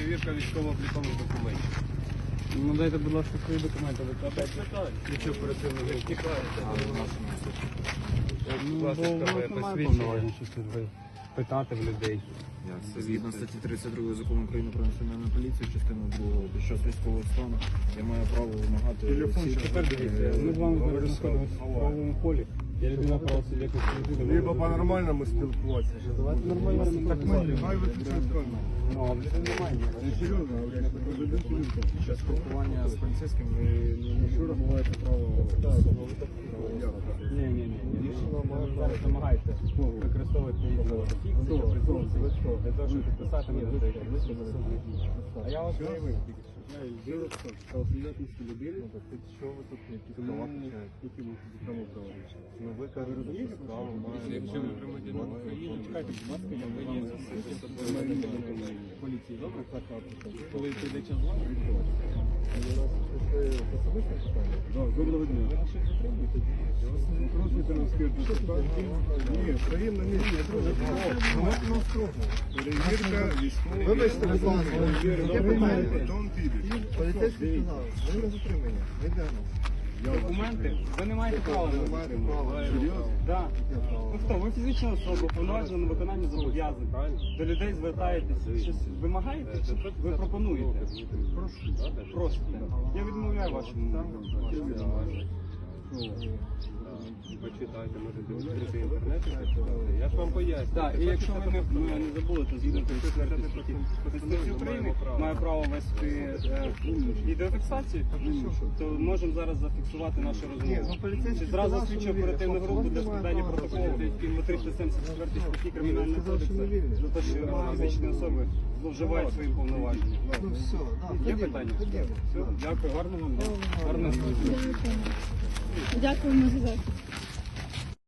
перевірка військово-облікових документів. Ну дайте, будь ласка, свої документи. Нічого оперативного не втікаєте. Ну, Власне, бо у тебе нас немає посвідчення. повноважень щось питати в людей. Це згідно статті 32 закону України про національну поліцію, частину 2, під час військового стану, я маю право вимагати всі... Тепер дивіться, ми з вами зараз знаходимося в правовому полі. Я людина правосуб'єктності людини. Либо по-нормальному спілкуватися. Давайте нормально Так ми, хай виключають камеру. Ну, а вже немає. Не серйозно, говорять, Під час спілкування з поліцейським ви що розбуваєте право? Ні. Зараз намагаєте використовувати фікцію, презумпцію, для того, щоб підписати мені деякі засудні дії. А я вас заявив тільки що. Правосуб'єктності людини. що ви тут якісь права Які ми кому права? Ну ви розумієте право маєте. Якщо ви громадянин України, Чекайте, будь ласка, я приїду з поліції. Добре? Коли прийде час з вами, Доброго дня. Запрошуйте на скирту. Ні, стоїм на місці. Перевірка військової. Вибачте, будь ласка, є питання. Потім підеш. Поліцейський сказав, ви не затримані. Ми йдемо. документи, ви не маєте права. Ви маєте право. Серйозно? Так. Ну хто, ви фізична особа, повноважена на виконання зобов'язань, правильно? До людей звертаєтесь, щось вимагаєте, чи ви пропонуєте? Просите. Я відмовляю вашому. Почитайте, можете відкрити інтернет. Я ж вам поясню. Так, і якщо ви не забули, то згідно Конституції України має право вести відеофіксацію, то можемо зараз зафіксувати нашу розмову. Чи зразу слідчу оперативну групу для складання протоколу по 374 статті Кримінального кодексу за те, що фізичні особи зловживають своїм повноваженням. Ну все, да, Є питання? Все, дякую, гарного вам дня. Гарного служби. Дякуємо за захист.